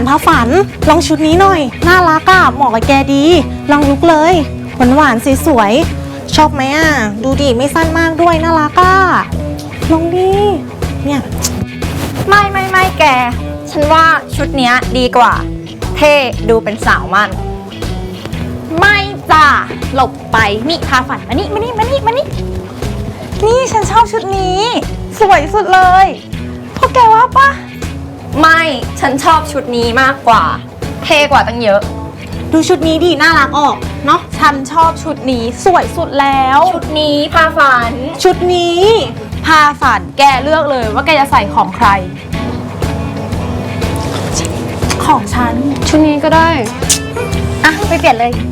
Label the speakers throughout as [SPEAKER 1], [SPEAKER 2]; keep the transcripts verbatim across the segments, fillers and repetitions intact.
[SPEAKER 1] พาฝันลองชุดนี้หน่อยน่ารักอะเหมาะกับแกดีลองลุกเลยหวานหวานสวยๆชอบไหมอะดูดิไม่สั้นมากด้วยน่ารักอะลองดิเนี่ย
[SPEAKER 2] ไม่ไม่ไม่แกฉันว่าชุดเนี้ยดีกว่าเท่ดูเป็นสาวมันไม่จ้าหลบไปนี่พาฝันมานี่มานี่มานี่มานี่นี่ฉันชอบชุดนี้สวยสุดเลยพวกแกว่าปะไม่ฉันชอบชุดนี้มากกว่าเท่กว่าตั้งเยอะ
[SPEAKER 1] ดูชุดนี้ดิน่ารักออกเนาะ
[SPEAKER 2] ฉันชอบชุดนี้สวยสุดแล้วชุดนี้พาฝัน
[SPEAKER 1] ชุดนี้
[SPEAKER 2] พาฝันแกเลือกเลยว่าแกจะใส่ของใครของฉัน
[SPEAKER 3] ชุดนี้ก็ได้
[SPEAKER 2] อ่ะไปเปลี่ยนเลย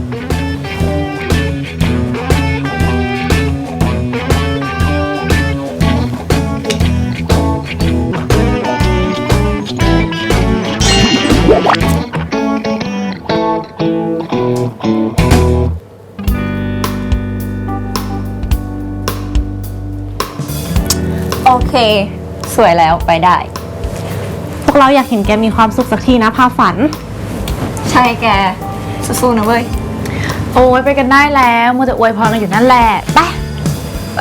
[SPEAKER 2] โอเคสวยแล้วไปได้
[SPEAKER 1] พวกเราอยากเห็นแกมีความสุขสักทีนะพาฝัน
[SPEAKER 2] ใช่แกสู้ๆนะเว้ย
[SPEAKER 3] โอ้ยไปกันได้แล้วมัวแต่อวยพรกันอยู่นั่นแหละไปไป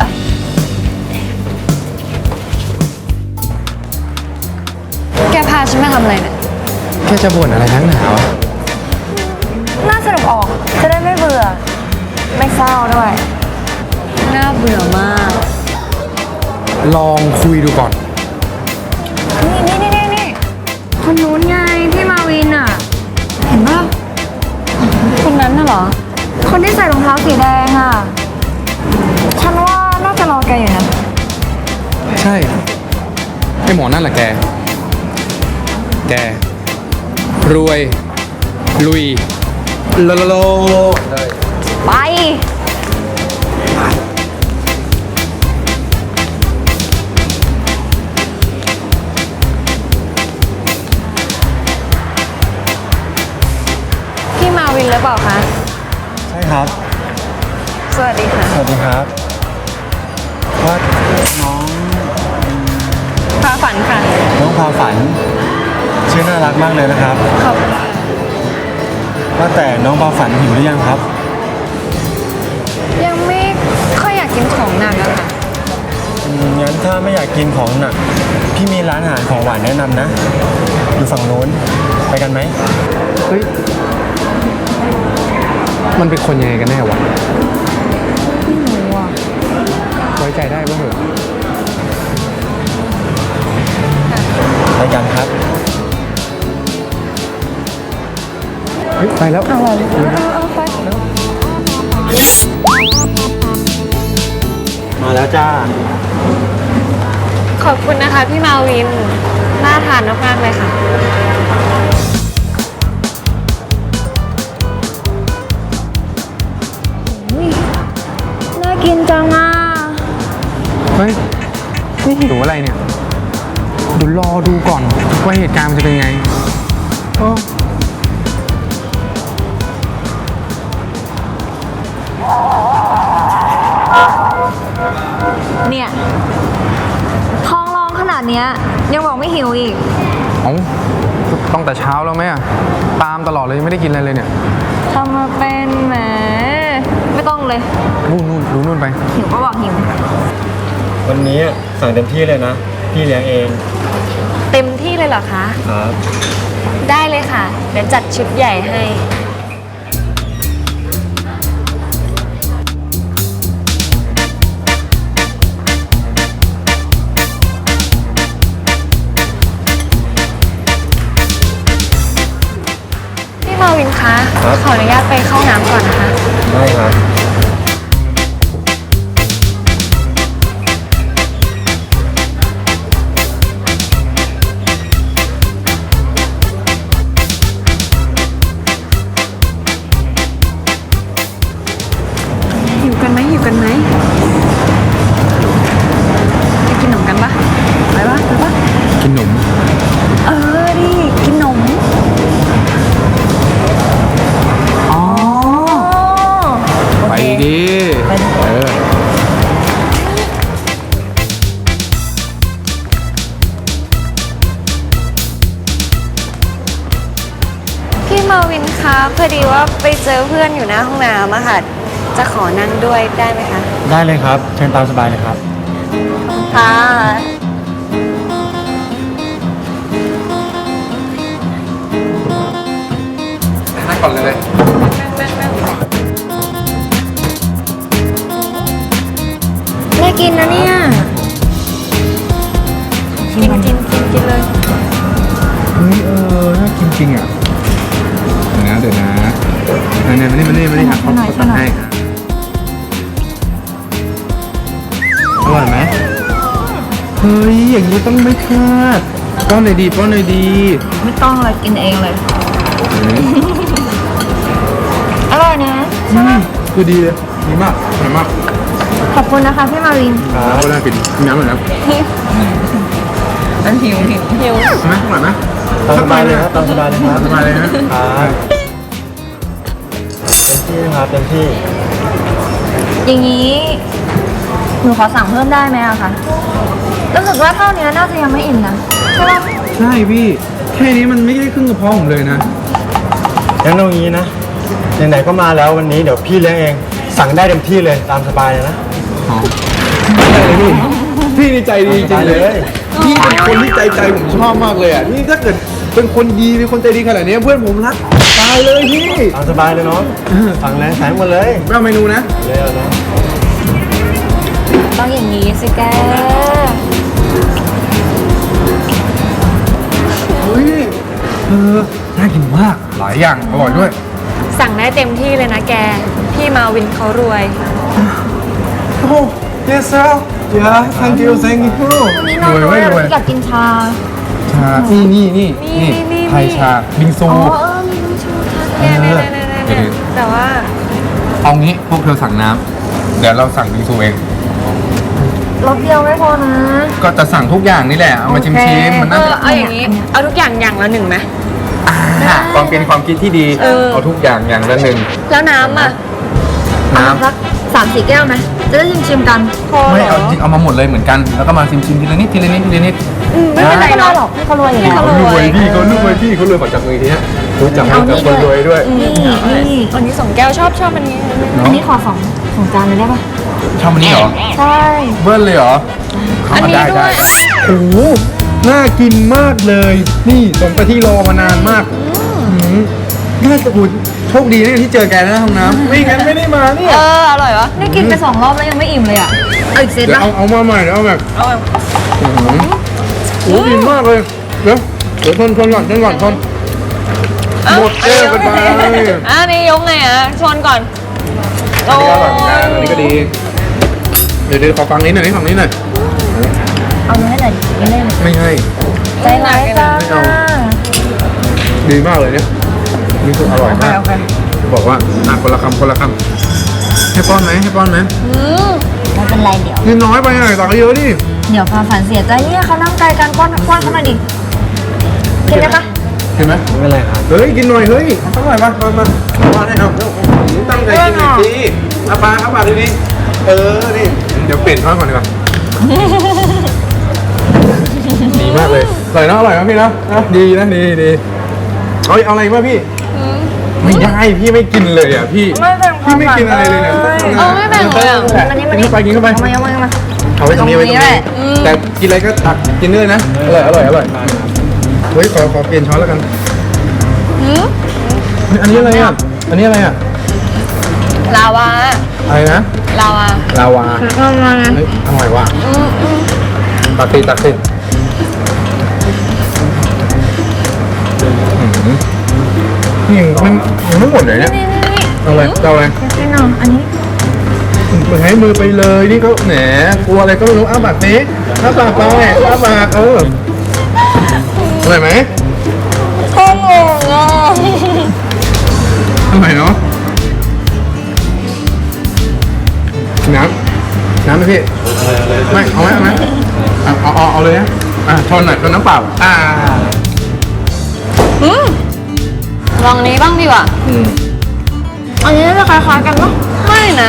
[SPEAKER 3] แกพาฉันมาทำอะไรเนี่ย
[SPEAKER 4] แกจะบ่นอะไรนักหนาวะ
[SPEAKER 2] น่าสนุกออกจะได้ไม่เบื่อไม่เศร้าด้วย
[SPEAKER 3] น่าเบื่อมาก
[SPEAKER 4] ลองคุยดูก่อน
[SPEAKER 3] นี่นี่นี่นี่คนนู้นไงพี่มาวินอ่ะเห็นป่ะคนนั้นน่ะเหรอ
[SPEAKER 2] คนที่ใส่รองเท้าสีแดงอ่ะฉันว่าน่าจะรอแกอยู่นะ
[SPEAKER 4] ใช่ไอหมอนั่นแหละแกแกรวยลุยโลโลเลย
[SPEAKER 2] ไป
[SPEAKER 3] วินหรือเปล่าคะ
[SPEAKER 4] ใช่ครับ
[SPEAKER 3] สวัสดีค่ะ
[SPEAKER 4] สวัสดีครับว่าน้อง
[SPEAKER 3] พาฝันค่ะ
[SPEAKER 4] น้องพาฝันชื่อน่ารักมากเลยนะครับ
[SPEAKER 3] ขอบคุณค่ะ
[SPEAKER 4] ว่าแต่น้องพาฝันหิวหรือยังครับ
[SPEAKER 3] ยังไม่ค่อยอยากกินของหนักอะค่ะ
[SPEAKER 4] งั้นถ้าไม่อยากกินของหนักพี่มีร้านอาหารของหวานแนะนำนะอยู่ฝั่งโน้นไปกันไหมเฮ้ยมันเป็นคนยังไงกันแน่วะ
[SPEAKER 3] ไม่รู้อ่ะ
[SPEAKER 4] ไว้ใจได้ป่ะเหรอไปกันครับเฮ้ยไปแล้ว
[SPEAKER 3] เอาเอาไป
[SPEAKER 4] มาแล้วจ้า
[SPEAKER 3] ขอบคุณนะคะพี่มาวินน่าทานมากๆเลยค่ะ
[SPEAKER 2] น่ากินจังอ่ะ
[SPEAKER 4] เฮ้ยนี่หิวอะไรเนี่ยเดี๋ยวรอดูก่อนว่าเหตุการณ์มันจะเป็นไงโอ้
[SPEAKER 2] เนี่ยท้องร้องขนาดเนี้ยยังบอกไม่หิวอีก
[SPEAKER 4] เอ้าต้องแต่เช้าแล้วไหมอะตามตลอดเลยไม่ได้กินอะไรเลยเนี่ย
[SPEAKER 2] ทำมาเป็นแหมไม่ต้องเลย
[SPEAKER 4] นู่นนู่นดูนู่นไป
[SPEAKER 2] หิวก็บอกหิว
[SPEAKER 4] วันนี้สั่งเต็มที่เลยนะพี่เลี้ยงเอง
[SPEAKER 3] เต็มที่เลยเหรอคะ
[SPEAKER 4] ครับ
[SPEAKER 3] ได้เลยค่ะเดี๋ยวจัดชุดใหญ่ให้พี่มาวินคะขออนุญาตไปเข้าน้ำก่อนนะคะ
[SPEAKER 4] ได้ครับ
[SPEAKER 3] หิวกันไหมหิวกันไหมไปกินขนมกันปะไปปะไปปะ
[SPEAKER 4] กินขนม
[SPEAKER 3] เออดิกินขนม
[SPEAKER 4] อ๋อโอ
[SPEAKER 3] คะพอดีว่าไปเจอเพื่อนอยู่หน้าห้องน้ำอะค่ะ จะขอนั่งด้วยได้ไหมคะ
[SPEAKER 5] ได้เลยครับ เชิญตามสบายเลยครับ
[SPEAKER 3] ค่ะ
[SPEAKER 4] นั่งก่อนเลย
[SPEAKER 3] น่ากินนะเนี่ย กินกินกินกินเลย
[SPEAKER 4] เฮ้ยเออน่ากินจริงอ่ะเดี๋ยวนะเดี๋ยวนะไหนๆมานี่มานี่มานี่ครับเขาตัดให้ครับอร่อยไหมเฮ้ยอย่างนี้ต้องไม่พลาดป้อนหน่อยดีป้อนหน่อยดี
[SPEAKER 3] ไม่ต้องเลยกินเองเลย อร่อยนะ
[SPEAKER 4] อืมคือดีเลยดีมากอร่อยมาก
[SPEAKER 3] ขอบคุณนะคะพี่มาวิน
[SPEAKER 4] ครับก็ได้กินน้ำหน่อยนะ
[SPEAKER 3] มันหิวหิวหิว
[SPEAKER 4] ใช่ไหมอร่อยไหม
[SPEAKER 5] ตามสบายเลยครับ ตามสบายเลยครับ
[SPEAKER 4] สบายเลยนะ
[SPEAKER 5] ครับเต็มที่นะครับเต็มที่
[SPEAKER 3] อย่างนี้หนูขอสั่งเพิ่มได้ไหมอะคะรู้สึกว่าเท่านี้น่าจะยังไม่อิ่มนะใช่ปะ
[SPEAKER 4] ใช่พี่ แค่นี้มันไม่ได้ครึ่งกระเพาะผมเลยนะ
[SPEAKER 5] งั้นเอางี้นะ ไหนๆก็มาแล้ววันนี้เดี๋ยวพี่เลี้ยงเอง สั่งได้เต็มที่เลยตามสบายเลยนะ
[SPEAKER 4] อ๋อได้เลยพี่ พี่นี่ใจดีจริงเลย
[SPEAKER 5] ได้เลย
[SPEAKER 4] พี่เป็นคนที่ใจใจผมชอบมากเลยอ่ะ นี่ถ้าเกิดเป็นคนดีเป็นคนใจดีขนาดนี้เพื่อนผมรักตายเลยพี่
[SPEAKER 5] ตามสบายเลยเนาะสั่งเลยสั่งหมดเลย
[SPEAKER 4] ไม่เอาเมนูนะ
[SPEAKER 5] เลยเอานะ
[SPEAKER 3] ต้องอย่างนี้สิแก
[SPEAKER 4] เฮ้ย เออ น่ากินมาก หลายอย่าง อร่อยด้วย
[SPEAKER 3] สั่งได้เต็มที่เลยนะแก พี่มาวินเขารวย
[SPEAKER 4] โอ้ yes sir yeah thank you thank you
[SPEAKER 3] นี่น้อง
[SPEAKER 4] รวย
[SPEAKER 3] ด้
[SPEAKER 4] ไห
[SPEAKER 3] ว
[SPEAKER 4] ม
[SPEAKER 3] ย
[SPEAKER 4] รวย
[SPEAKER 3] อยากกินชา
[SPEAKER 4] ชา นี่นี่นี่
[SPEAKER 3] นี่นี่นี่
[SPEAKER 4] ไทยชา บิงซู
[SPEAKER 3] อ๋อเออมีน้ำชูค่ะเนี่ยเนี่ยเนี่ยเนี่ยเนี่ยแต่ว่า
[SPEAKER 4] เอางี้พวกเธอสั่งน้ำ เดี๋ยวเราสั่งบิงซูเอง
[SPEAKER 3] รสเดียวไม่พอนะ
[SPEAKER 4] ก็จะสั่งทุกอย่างนี่แหละ เอามาชิมชิมๆมัน
[SPEAKER 3] เอ
[SPEAKER 4] น่า
[SPEAKER 3] อ
[SPEAKER 4] จะ
[SPEAKER 3] เอาอย่างนี้ เอาทุกอย่างอย่างละหนึ่งไหม
[SPEAKER 4] อ่าความเป็นความคิดที่ดี
[SPEAKER 3] เออ
[SPEAKER 4] เอาทุกอย่างอย่างละหนึ่ง
[SPEAKER 3] แล้วน้ำอ่ะ
[SPEAKER 4] น้
[SPEAKER 3] สักสามสี่แก้วไหมจะได้ชิมชิมๆกันพอ
[SPEAKER 4] ำ
[SPEAKER 3] เห
[SPEAKER 4] ไม่
[SPEAKER 3] ร
[SPEAKER 4] เอา
[SPEAKER 3] อ
[SPEAKER 4] จริงเอามาหมดเลยเหมือนกัน แล้วก็มาชิมชิมๆทีละนิดทีละนิดทีละนิด
[SPEAKER 3] อืมไม่เป็นไรหรอกพี่เขารวยอยู่แล้ว
[SPEAKER 4] เขารวยพี่เขารวยพี่เขารวยมาจากมือทีเนี้ยรู้จักมือกับคนรวยด้วย
[SPEAKER 3] นี่นี่วันนี้สองแก้วชอบชอบอันนี้
[SPEAKER 4] เนอะ
[SPEAKER 3] อันนี้ขอสองสองจานเลยได้ปะ
[SPEAKER 4] ชอบอันนี้เหรอ
[SPEAKER 3] ใช่
[SPEAKER 4] เบิ้ลเลยเหรอ
[SPEAKER 3] อันนี้
[SPEAKER 4] ได้
[SPEAKER 3] ด้
[SPEAKER 4] ได้
[SPEAKER 3] วย
[SPEAKER 4] โอ้โหน่ากินมากเลย นี่สมกับที่รอมานานมากหืมน่าจะอุดโชคดีนะที่เจอแกในห้องน้ำไม่งั้นไม่ได้มาเนี่ย
[SPEAKER 3] เอออร่อยวะนี่กินไปสองรอบแล้วยังไม่อิ่มเลยอ่ะเอาอีกเซต
[SPEAKER 4] เดี๋ยว
[SPEAKER 3] ปะ
[SPEAKER 4] เอาเอามาใหม่เดี๋ยวเอาแบบ
[SPEAKER 3] เอาแบบ
[SPEAKER 4] อื้อหือโอ้ดีมากเลย เดี๋ยวเดี๋ยวทนทนก่อนทนก่อนทนหมดแก้วกันไป
[SPEAKER 3] อ่ะนี่ยกไงอ่ะชนก่อน
[SPEAKER 4] อันนี้อร่อยเหมือนกันอันนี้ก็ดี เดี๋ยวเดี๋ยวขอฟังนี้หน่อยนี่ฟังนี้หน่อย
[SPEAKER 3] เอาเนื้อหน่อยไม่ได้
[SPEAKER 4] ไม่ให้
[SPEAKER 3] ใจร้ายจัง
[SPEAKER 4] ไม่เอา ดีมากเลยเนี่ยนี่คืออร่อยมากบอกว่าอ่ะคนละคำคนละคำให้ป้อนไหมให้ป้อนไหม
[SPEAKER 3] อืมไม่เป็นไรเดี๋ยว
[SPEAKER 4] นี่น้อยไปหน่อยตักเยอะดิ
[SPEAKER 3] เดี๋ยวความฝันเสียใจเนี่ยเขานั่งไกลกันป้อนป้อนเข้ามาดิกินได้ปะ
[SPEAKER 4] เห็นไหม
[SPEAKER 5] ไม่เป็นไรครับ
[SPEAKER 4] เฮ้ยกินหน่อยเฮ้ยสักหน่อยมามามาป้อนให้เอาตั้งใจกินหน่อยสิเอาปลาเอาปลาดูดิเออนี่เดี๋ยวเปลี่ยนช้อนก่อนดีกว่าดีมากเลยอร่อยนะอร่อยนะพี่นะนะดีนะดีดีเอาเอาอะไรมาพี่ไม่ได้พี่ไม่กินเลยอ่ะพี่
[SPEAKER 3] ไม่แบ่งควา
[SPEAKER 4] พี่
[SPEAKER 3] ม
[SPEAKER 4] ไม่
[SPEAKER 3] ฝัน
[SPEAKER 4] กินอะไรเลยเนี่ย
[SPEAKER 3] เออไม่แบ่งเลยอ่ะ
[SPEAKER 4] กินเข้าไปกินเข้าไป
[SPEAKER 3] เอามาเอามาเอามา
[SPEAKER 4] เอาไว้ตรงนี้ไว้ตรง
[SPEAKER 3] ตรงนี้แห
[SPEAKER 4] นี้
[SPEAKER 3] ละอืม
[SPEAKER 4] แต่กินอะไรก็ตักกินด้วยนะอร่อยอร่อยอร่อยเฮ้ยขอขอเปลี่ยนช้อนแล้วกันเฮ้ยอันนี้อะไรอ่ะอันนี้อะไรอ่ะ
[SPEAKER 3] ลาวา
[SPEAKER 4] อะไรนะ
[SPEAKER 3] ลาวา
[SPEAKER 4] ลาวา
[SPEAKER 3] ลาวา
[SPEAKER 4] เฮ้ยอร่อยว่ะตักสิตักสินี่มันยังไม่หมดเลยเนี่ย
[SPEAKER 3] นี่นี่นี่
[SPEAKER 4] เอาเลยเอาเลย
[SPEAKER 3] กินหน่อยอันนี้
[SPEAKER 4] มึงให้มือไปเลยนี่เขาแหนกลัวอะไรก็ไม่รู้อ้าปากสิอ้าปากไปอ้าปากเอออร่อยไหม
[SPEAKER 3] ข้าวหมูอ่ะ
[SPEAKER 4] อร่อยเนาะน้ำน้ำไหมพี่ไม่เอาไหมเอาไหมเอาเอาเอาเอาเลยนะอ่ะชนหน่อยชนน้ำเปล่าอ่า
[SPEAKER 3] ลองนี้บ้างดีกว่า
[SPEAKER 4] อืม
[SPEAKER 3] อันนี้จะคล้ายๆกันปะไม่นะ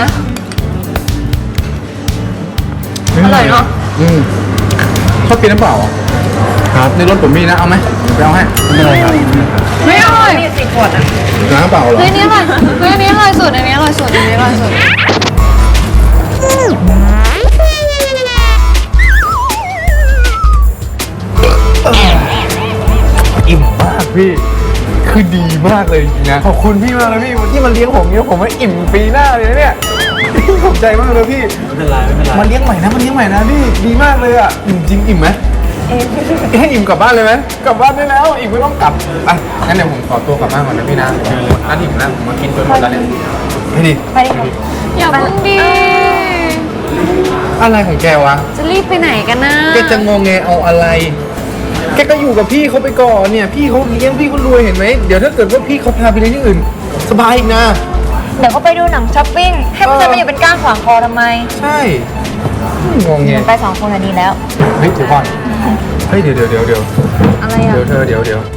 [SPEAKER 3] อร่อยเนอะ
[SPEAKER 4] อืมชอบกินน้ำเปล่าเหรอ
[SPEAKER 5] ครับ
[SPEAKER 4] ในรถผมมีนะ เอาไหมไปเอาให้
[SPEAKER 5] ไม่เป็นไรครับ
[SPEAKER 3] ไม่อร่อย
[SPEAKER 4] น้ำเปล่าเหรอ
[SPEAKER 3] เฮ้ยอันนี้อร่อยเฮ้ยอันนี้อร่อยสุดอันนี้อร่อยสุดอันนี้อร่อยสุด
[SPEAKER 4] อิ่มมากพี่ คือดีมากเลยจริงๆนะ ขอบคุณพี่มากเลยพี่ที่มาเลี้ยงผมเนี่ยผมว่าอิ่มปีหน้าเลยนะเนี่ย ขอบใจมากเลยพี่
[SPEAKER 5] ไม่เป็นไรไม่เป็นไร
[SPEAKER 4] มาเลี้ยงใหม่นะมาเลี้ยงใหม่นะพี่ดีมากเลยอ่ะอิ่มจริงอิ่มไหมให้อิ่มกลับบ้านเลยไหมกลับบ้านได้แล้วอิ่มไม่ต้องกลับอ่ะงั้นเดี๋ยวผมขอตัวกลับบ้านก่อนนะพี่นะร้านอิ่มแล้วผมมากินจนหมดแล้วเนี่ยไปดิ
[SPEAKER 3] อย่าเพิ่งดี
[SPEAKER 4] อะไรของแกวะ
[SPEAKER 3] จะรีบไปไหนกันนะ
[SPEAKER 4] แกจะงงแงเอาอะไร แกก็อยู่กับพี่เขาไปก่อนเนี่ยพี่เขาเลี้ยงพี่เขารวยเห็นไหมเดี๋ยวถ้าเกิดว่าพี่เขาพาไปเลี้ยงที่อื่น สบายอีกนะ
[SPEAKER 2] เดี๋ยวก็ไปดูหนังช้อปปิ้ง ให้มันจะมาอยู่เป็นก้างขวางคอทำไม
[SPEAKER 4] ใช่งงแง
[SPEAKER 2] ไปสองคนอันนี้แล้ว
[SPEAKER 4] เฮ้ยเดี๋ยวก่อนเฮ้ยเดี๋ยวเดี๋ยวเดี๋ยวเดี๋ยว
[SPEAKER 2] อะไรอ่ะ
[SPEAKER 4] เดี๋ยวเธอเดี๋ยวเดี๋ยว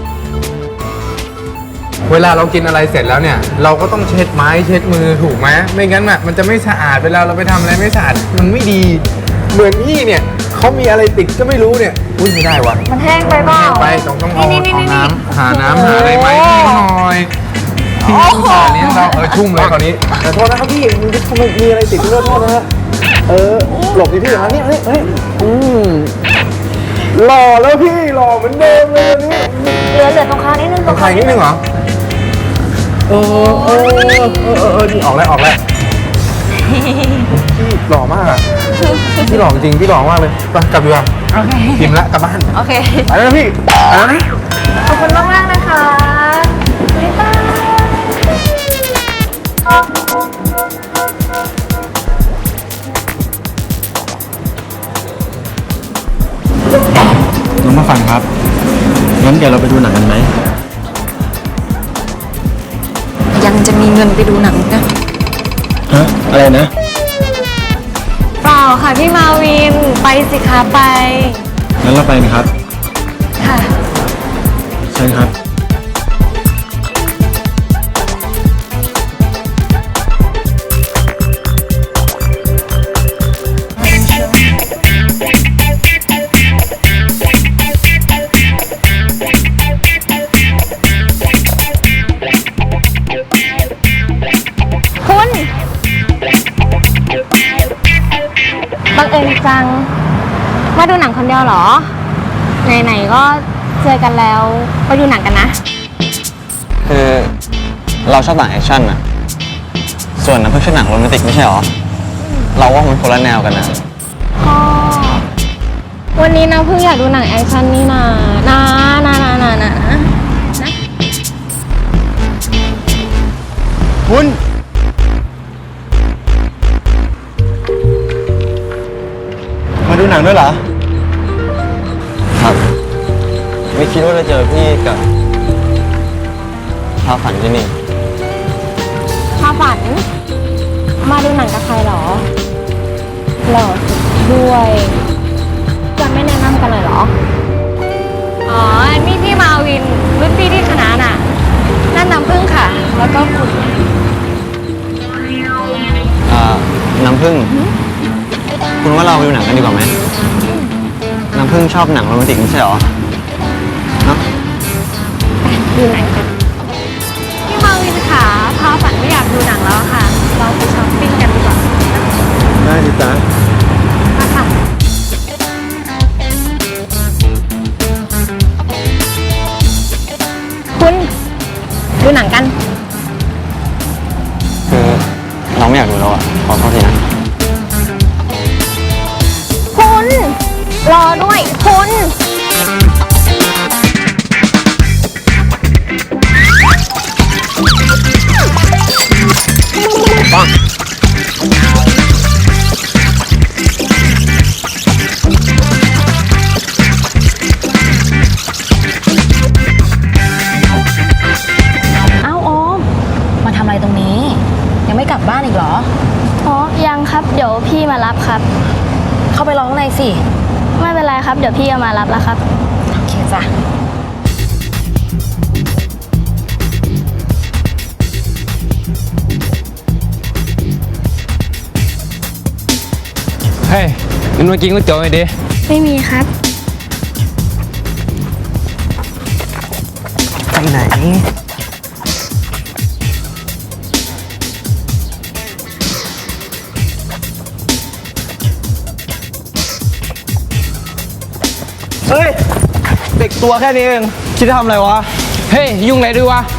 [SPEAKER 4] เวลาเรากินอะไรเสร็จแล้วเนี่ย เราก็ต้องเช็ดไม้เช็ดมือถูกไหมไม่งั้นอ่ะมันจะไม่สะอาดเวลาเราไปทำอะไรไม่สะอาดมันไม่ดี เหมือนพี่เนี่ยเขามีอะไรติดก็ไม่รู้เนี่ยอุ้ยไม่ได้วะ
[SPEAKER 2] มันแห้งไปเปล่า
[SPEAKER 4] ไปต้องต้องเอา
[SPEAKER 2] นี่นี่
[SPEAKER 4] เอา
[SPEAKER 2] นี่
[SPEAKER 4] น้ำหาน้ำหาอะไรไหมให้เขาหน่อยพี่ต้องสาเลี้ยงเราเออชุ่มเลยคราวนี้แต่โทษนะครับพี่มันมันมีอะไรติดเลือดโทษนะฮะเออหลบดิพี่อย่างนี้นี่เฮ้ยอืมหล่อแล้วพี่หล่อเหมือนเดิมเลยนี่
[SPEAKER 2] เหลือเหลือตรงคางนิดนึง
[SPEAKER 4] ต้องถ่ายนิดนึงเหรอเออเออเออเออเออนี่ออกแล้วออกแล้วพี่หล่อมากอ่ะพี่หล่อจริงพี่หล่อมากเลยไปกลับดีกว่า
[SPEAKER 2] โอเค
[SPEAKER 4] พิมพ์ละกลับบ้าน
[SPEAKER 2] โอเค
[SPEAKER 4] ไปแล้วนะพี่ไปแล้วนะ
[SPEAKER 2] ขอบคุณมากมากๆนะคะบ๊ายบาย
[SPEAKER 5] น้องมาฟังครับงั้นเดี๋ยวเราไปดูหนังกันไหม
[SPEAKER 2] ยังจะมีเงินไปดูหนังนะ
[SPEAKER 5] ฮะอะไรนะ
[SPEAKER 3] เปล่าค่ะพี่มาวิน ไปสิคะไป
[SPEAKER 5] งั้นเราไปนะครับ
[SPEAKER 3] ค่ะ
[SPEAKER 5] เชิญครับ
[SPEAKER 3] คุณบังเอิญจัง มาดูหนังคนเดียวเหรอ ไหนๆก็เจอกันแล้ว ไปดูหนังกันนะ
[SPEAKER 6] คือเราชอบหนังแอคชั่นอะส่วนน้ำพึ่งชอบหนังโรแมนติกไม่ใช่หรอ เราว่ามันคนละแนวกันนะ
[SPEAKER 3] ก็วันนี้นะเพิ่งอยากดูหนังแอคชั่นนี่นานะนะนะนะนะนะ
[SPEAKER 5] คุณ มาดูหนังด้วยเหรอ
[SPEAKER 6] ครับ ไม่คิดว่าจะเจอพี่กับพาฝันที่นี่
[SPEAKER 3] พาฝัน มาดูหนังกับใครเหรอหล่อสุดด้วยจะไม่แนะนำกันเลยเหรอ อ๋อ นี่พี่มาวิน รุ่นพี่ที่คณะน่ะ นั่นน้ำพึ่งค่ะ แล้วก็คุณ
[SPEAKER 6] อ่า น้ำพึ่ง คุณว่าเราไปดูหนังกันดีกว่าไหม น้ำพึ่งชอบหนังโรแมนติกไม่ใช่หรอ เนาะ
[SPEAKER 3] ดูหนังกันพี่มาวินค่ะพาฝันไม่อยากดูหนังแล้วอะค่ะ เราไปช้อปปิ้งกันดีกว่า
[SPEAKER 5] ได้ดิจ๊ะ
[SPEAKER 3] มาค่ะ คุณดูหนังกัน
[SPEAKER 6] คือเราไม่อยากดูแล้วอะขอโทษทีนะ
[SPEAKER 3] คุณ รอด้วย คุณ
[SPEAKER 2] เอ้าโอม มาทำอะไรตรงนี้ ยังไม่กลับบ้านอีกเหรอ
[SPEAKER 7] อ๋อ ยังครับ เดี๋ยวพี่มารับครับ
[SPEAKER 2] เข้าไปร้องในสิ
[SPEAKER 7] ไม่เป็นไรครับ เดี๋ยวพี่เอามารับแล้วครับ
[SPEAKER 2] โอเคจ้ะ
[SPEAKER 4] เฮ้ยงั้นเมื่อกี้ก็เจอไอ้ดิ
[SPEAKER 7] ไม่มีครับ
[SPEAKER 6] ไหนเฮ้ย เด็กตัวแค่นี้เองคิดจะทำอะไรวะ
[SPEAKER 4] เฮ้ย ยุ่งอะไรด้วยวะ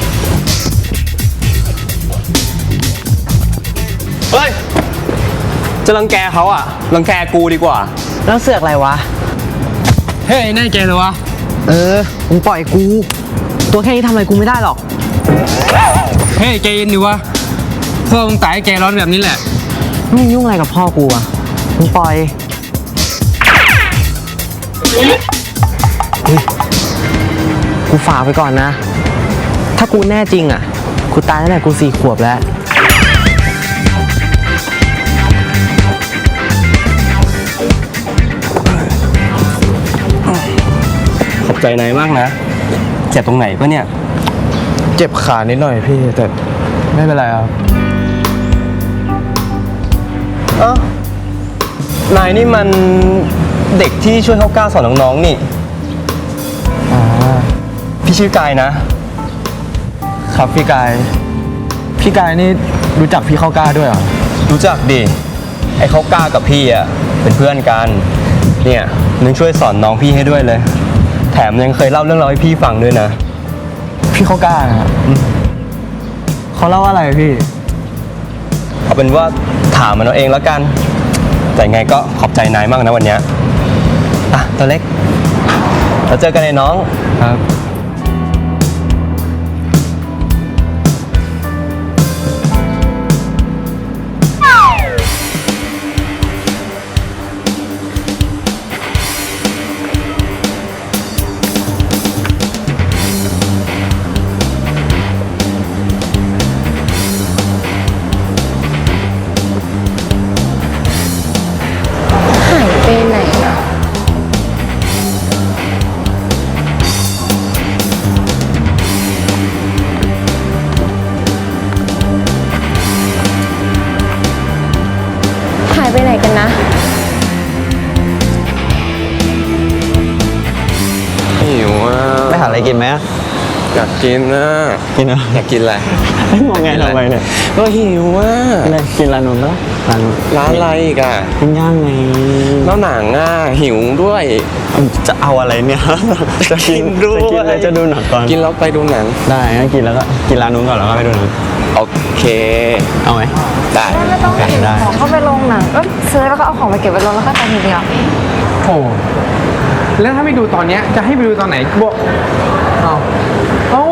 [SPEAKER 6] เฮ้ย จะรังแกเขาอ่ะ รังแกกูดีกว่า
[SPEAKER 8] แล้วเสือกอะไรวะ
[SPEAKER 4] เฮ้ยแน่ใจเลยวะ
[SPEAKER 8] เออมึงปล่อยกู ตัวแค่นี้ทำอะไรกูไม่ได้หรอก
[SPEAKER 4] เฮ้ยใจเย็นดิวะพ่อมึงตายให้ใจร้อนแบบนี้แหละ
[SPEAKER 8] มึงยุ่งอะไรกับพ่อกูอะมึงปล่อยอุ๊ยกูฝากไปก่อนนะ ถ้ากูแน่จริงอะกูตายตั้งแต่กูสี่ขวบแล้ว
[SPEAKER 6] ขอบใจนายมากนะ เจ็บตรงไหนปะเนี่ย
[SPEAKER 5] เจ็บขานิดหน่อยพี่แต่ไม่เป็นไรครับ
[SPEAKER 6] เอ้า นายนี่มันเด็กที่ช่วยเขากล้าสอนน้องๆนี่
[SPEAKER 5] อ๋อ
[SPEAKER 6] พี่ชื่อกายนะ
[SPEAKER 5] ครับพี่กาย พี่กายนี่รู้จักพี่เข้ากล้าด้วยเหรอ
[SPEAKER 6] รู้จักดิ ไอ้เขากล้ากับพี่อ่ะ เป็นเพื่อนกัน เนี่ยนึงช่วยสอนน้องพี่ให้ด้วยเลย แถมยังเคยเล่าเรื่องราวให้พี่ฟังด้วยนะ
[SPEAKER 5] พี่เข้ากล้านะครับเขาเล่าอะไรพี่
[SPEAKER 6] เอาเป็นว่าถามมันเอาเองแล้วกัน แต่ไงก็ขอบใจนายมากนะวันเนี้ยอ่ะตัวเล็ก เราเจอกันในน้อง
[SPEAKER 5] ครับ
[SPEAKER 3] หายไปไหนอะ หายไปไหนกันนะ
[SPEAKER 4] หิวอ่ะ
[SPEAKER 6] ไปหาอะไรกินไหม
[SPEAKER 4] อยากกินนะ
[SPEAKER 6] กินนะ
[SPEAKER 4] อยากกินอะไร
[SPEAKER 6] มองไงทำไมเนี่ย
[SPEAKER 4] ก็หิวอ่ะ
[SPEAKER 6] อะไรกินร้านนู้นปะร้านนู้น
[SPEAKER 4] ร้านอะไรอีกอ่ะ
[SPEAKER 6] ปิ้งย่างไง
[SPEAKER 4] แล้วหนังอ่ะหิวด้วย
[SPEAKER 6] จะเอาอะไรเนี่ย จะกิน
[SPEAKER 4] ด้วย
[SPEAKER 6] จะกินเลยจะดูหนังก่อน
[SPEAKER 4] กินแล้วไปดูหนัง
[SPEAKER 6] ได้งั้นกินแล้วก็กินร้านนู้นก่อนแล้วก็ไปดูหนัง
[SPEAKER 4] โอเค
[SPEAKER 6] เอาไหม
[SPEAKER 4] ได้
[SPEAKER 2] ไม่ต้อง
[SPEAKER 6] โอเค
[SPEAKER 2] เก็บ
[SPEAKER 6] ได้
[SPEAKER 2] ของเข้าไปลงหนังก็ซื้อแล้วก็เอาของไปเก็บไว้ลงแล้วก็ไปทีเดียว
[SPEAKER 4] โอ้แล้วถ้าไม่ดูตอนเนี้ยจะให้ไปดูตอนไหนบอกเอาเอา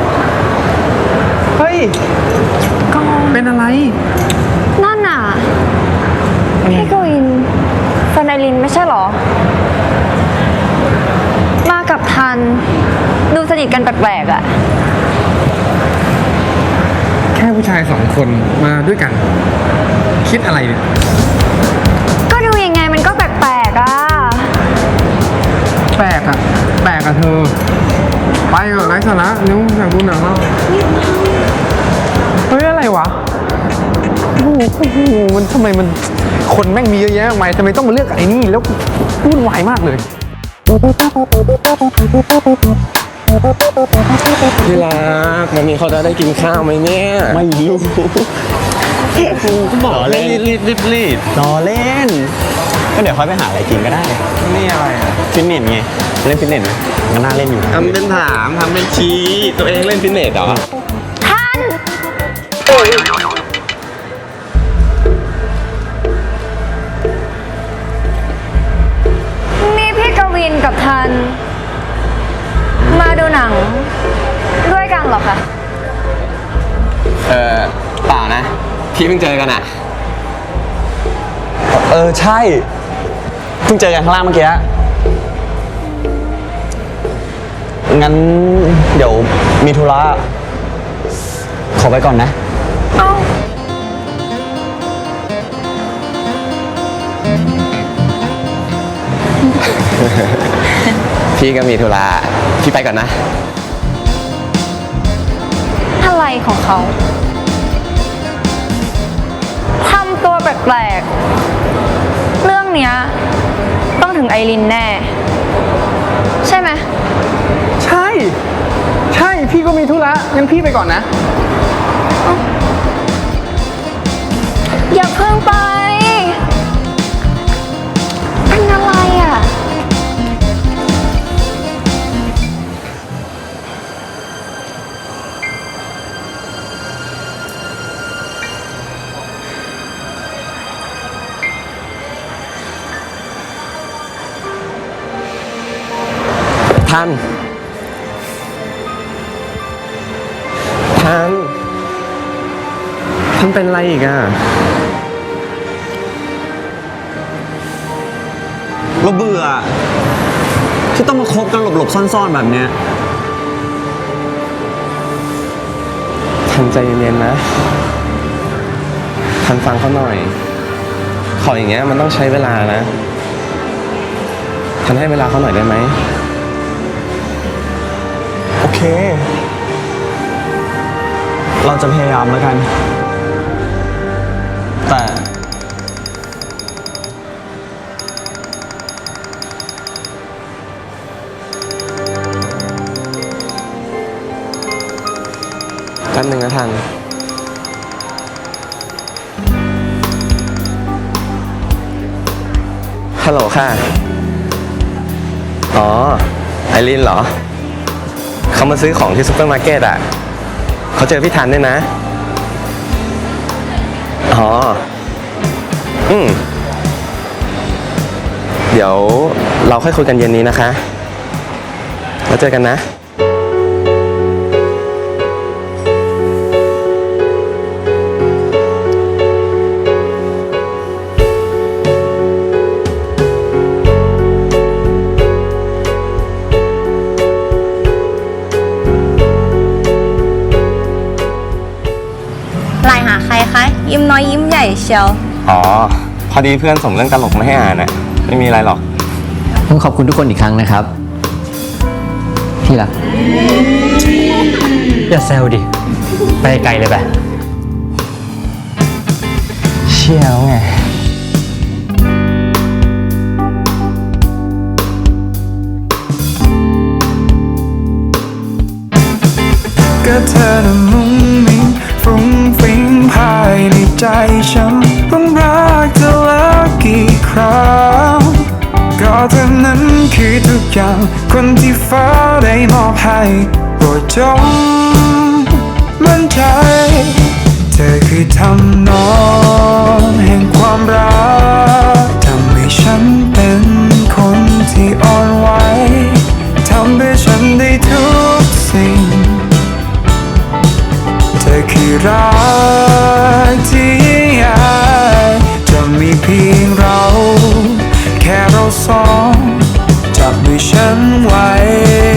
[SPEAKER 4] เฮ้ยเป็นอะไร
[SPEAKER 2] นั่นน่ะ พี่กวินแฟนไอรินไม่ใช่เหรอ มากับทัน ดูสนิทกันแปลกๆอ่ะ
[SPEAKER 4] แค่ผู้ชายสองคนมาด้วยกัน คิดอะไรเนี่ย
[SPEAKER 2] ก็ดูยังไงมันก็แปลกๆอ่ะ
[SPEAKER 4] แปลกอะแปลกอะเธอ ไปเถอะไร้สาระนิ้วอยากดูหนังแล้วเฮ้ยอะไรวะโอ้โหมันทำไมมันคนแม่งมีเยอะแยะมากมายทำไมต้องมาเลือกไอ้นี่แล้ววุ่นวายมากเลยที่รักวันนี้เขาจะได้กินข้าวไหมเนี่ย
[SPEAKER 6] ไม่รู้บอกเล่นรีบรีบรีบรอเล่น ก็เดี๋ยวค่อยไปหาอะไรกินก็ได้
[SPEAKER 4] นี่อะไรอะ
[SPEAKER 6] ฟิตเนสไง เล่นฟิตเนสไหมก็น่าเล่นอยู่
[SPEAKER 4] ทำเป็นถามทำเป็นชี้ตัวเองเล่นฟิตเนสเหรอ
[SPEAKER 2] ทัน นี่พี่กวินกับทัน มาดูหนัง ด้วยกันเหรอคะ
[SPEAKER 4] เออเปล่านะพี่เพิ่งเจอกันอะ
[SPEAKER 6] เออ ใช่ เพิ่งเจอกันข้างล่างเมื่อกี้ งั้นเดี๋ยวมีธุระ ขอไปก่อนนะ
[SPEAKER 2] เอ้า
[SPEAKER 4] พี่ก็มีธุระพี่ไปก่อนนะ
[SPEAKER 2] อะไรของเขา ทำตัวแปลกๆ เรื่องเนี้ยต้องถึงไอรินแน่ ใช่ไหม
[SPEAKER 4] ใช่ ใใช่ พี่ก็มีธุระ งั้นพี่ไปก่อนนะ
[SPEAKER 2] อย่าเพิ่งไป เป็นอะไรอ่ะ
[SPEAKER 6] ทัน ทัน ทันเป็นอะไรอีกอ่ะ เราเบื่อที่ต้องมาคบกันหลบๆซ่อนๆแบบเนี้ยทันใจเย็นๆนะ ทันฟังเขาหน่อย ขออย่างเงี้ยมันต้องใช้เวลานะ ทันให้เวลาเขาหน่อยได้ไหม โอเค เราจะพยายามแล้วกัน แต่แป๊บนึงนะทัน ฮัลโหลค่ะ อ๋อ ไอรินเหรอ เขามาซื้อของที่ซุปเปอร์มาร์เก็ตอ่ะ เขาเจอพี่ทันด้วยนะ อ๋อ อืม เดี๋ยวเราค่อยคุยกันเย็นนี้นะคะ แล้วเจอกันนะ
[SPEAKER 2] ไลน์หาใครคะ ยิ้มน้อยยิ้มใหญ่เชียว
[SPEAKER 6] อ๋อ พอดีเพื่อนส่งเรื่องตลกมาให้อ่านน่ะ ไม่มีอะไรหรอก
[SPEAKER 8] ผมขอบคุณทุกคนอีกครั้งนะครับ ที่รัก
[SPEAKER 5] อย่าแซวดิ ไปไกลเลยไป
[SPEAKER 6] เชี่ยวไง
[SPEAKER 9] ก็เธอน่ะมุ้งมิ้งฟรุ้งฟริ้งภายในใจฉันต้องรักเธอแล้วกี่ครั้งก็เธอนั้นคือทุกอย่างคนที่ฟ้าได้มอบให้โปรดจงมั่นใจเธอคือทำนองแห่งความรักทำให้ฉันเป็นคนที่อ่อนไหวทำให้ฉันได้ทุกสิ่งเธอคือรักที่ยิ่งใหญ่จะมีเพียงเราแค่เราสองจับมือฉันไว้